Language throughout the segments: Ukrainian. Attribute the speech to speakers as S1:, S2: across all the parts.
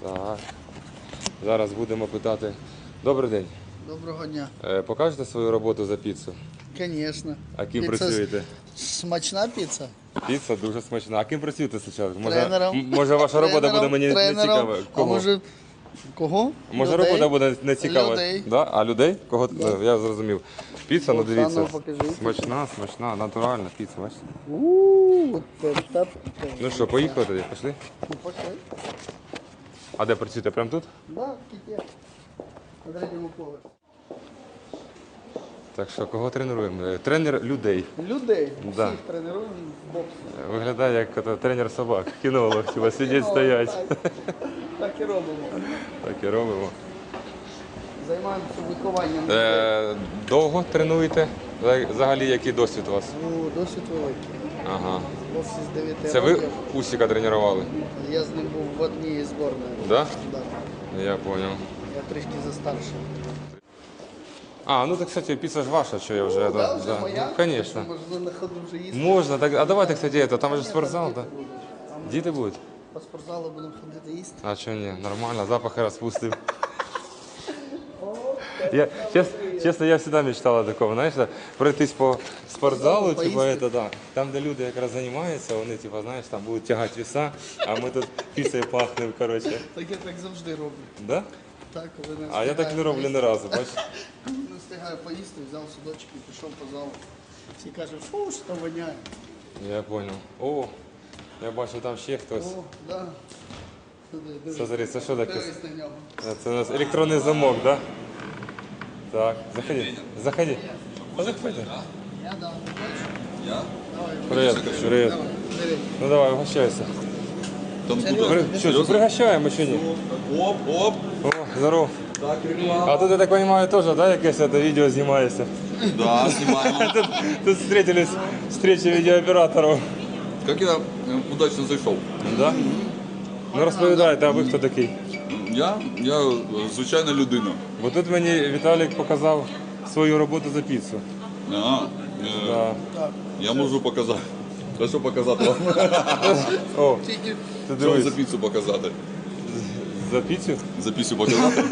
S1: Так. Зараз будемо питати. Добрий день.
S2: Доброго дня.
S1: Покажете свою роботу за піцу?
S2: Звісно.
S1: А ким працюєте?
S2: Смачна піца?
S1: Піца дуже смачна. А ким працюєте зараз?
S2: Тренером.
S1: Може ваша робота буде мені не
S2: Тренером.
S1: цікава?
S2: А може кого?
S1: Може
S2: Людей?
S1: робота буде не цікава?
S2: Людей.
S1: Да? А людей? Кого? Я зрозумів. Піца, ну дивіться.
S2: покажи.
S1: Смачна, натуральна піца, бачите?
S2: Так.
S1: Ну що, поїхали тоді? Пішли?
S2: Ну, пошли.
S1: А де працюєте? Прямо тут?
S2: Да, в кіті. На третьому поверсі.
S1: Так що, кого тренуємо? Тренер людей.
S2: Людей.
S1: Да.
S2: Всіх тренуємо в боксі.
S1: Виглядає як тренер собак, кінолог, хіба сидять, стоять.
S2: Так і робимо.
S1: Так і робимо.
S2: Займаємося вихованням.
S1: Довго тренуєте? Взагалі, який досвід у вас?
S2: Ну, досить великий.
S1: Ага.
S2: В боксі з 9
S1: Це ви
S2: років.
S1: Усіка тренували?
S2: Я з ним був в одній зборної.
S1: Да?
S2: Да.
S1: Я зрозумів.
S2: Я трішки застарший.
S1: А, ну так, кстати, піца ж ваша, що я вже...
S2: Да, вже моя?
S1: Ну, звісно.
S2: Можна на ходу вже їсти.
S1: Можна, так, а давайте, кстати, там же спортзал, так? Діти будуть?
S2: По спортзалу будемо ходити їсти.
S1: А що ні, нормально, запахи розпустив. Чесно, я завжди мечтал о такому, знаєш, пройтись по спортзалу, типа, это, да, там, де люди якраз займаються, вони, типа, знаєш, там будуть тягати веса, а ми тут піцею пахнемо, коротше.
S2: Так я так завжди роблю.
S1: Да?
S2: Так, коли не
S1: А я так не роблю ні разу, бачиш?
S2: Не встигаю поїсти, взяв судочки і пішов по залу. Всі кажуть, фу, що воняє.
S1: Я понял. О, я бачу, там ще хтось.
S2: О, да. Диви,
S1: Смотри, це що таке?
S2: дивись на нього.
S1: Це у нас електронний замок, да? Так, заходи, заходи. А заходи.
S2: Я дам.
S1: Привет, привет.
S2: Диви.
S1: Ну давай, угощайся. Что, пригощаємо чи ні?
S3: Оп, оп.
S1: О, здорово.
S3: Так, реклама.
S1: А тут, я так понимаю, тоже, да, якесь это відео знімається?
S3: Да, снимаем.
S1: Тут встретились встречи видеооператоров.
S3: Как я удачно зайшов.
S1: Да? Ну розповідайте, а ви хто такий?
S3: Я звичайна людина.
S1: Бо тут мені Віталік показав свою роботу за піцу.
S3: А,
S1: Да.
S3: я можу показати. Та що показати вам?
S1: О,
S2: Тільки
S1: ти
S3: Що вам за
S1: дивись,
S3: піцу показати?
S1: за піцу?
S3: За піцу показати?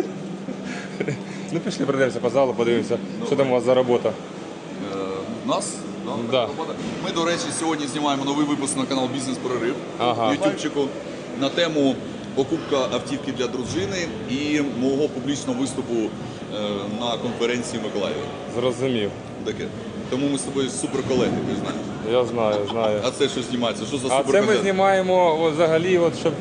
S1: Ну пішли, пройдемося по залу, подивимося, що там у вас за робота.
S3: Нас?
S1: Да.
S3: Ми, до речі, сьогодні знімаємо новий випуск на канал Бізнес-прорив.
S1: Ага.
S3: Ютубчику на тему покупка автівки для дружини і мого публічного виступу на конференції в Миколаєві.
S1: Зрозумів.
S3: Таке. Тому ми з тобою супер колеги, ти знаєш.
S1: Я знаю, знаю.
S3: А це що знімається? Що за
S1: А
S3: супер
S1: це ми знімаємо от, взагалі, от, щоб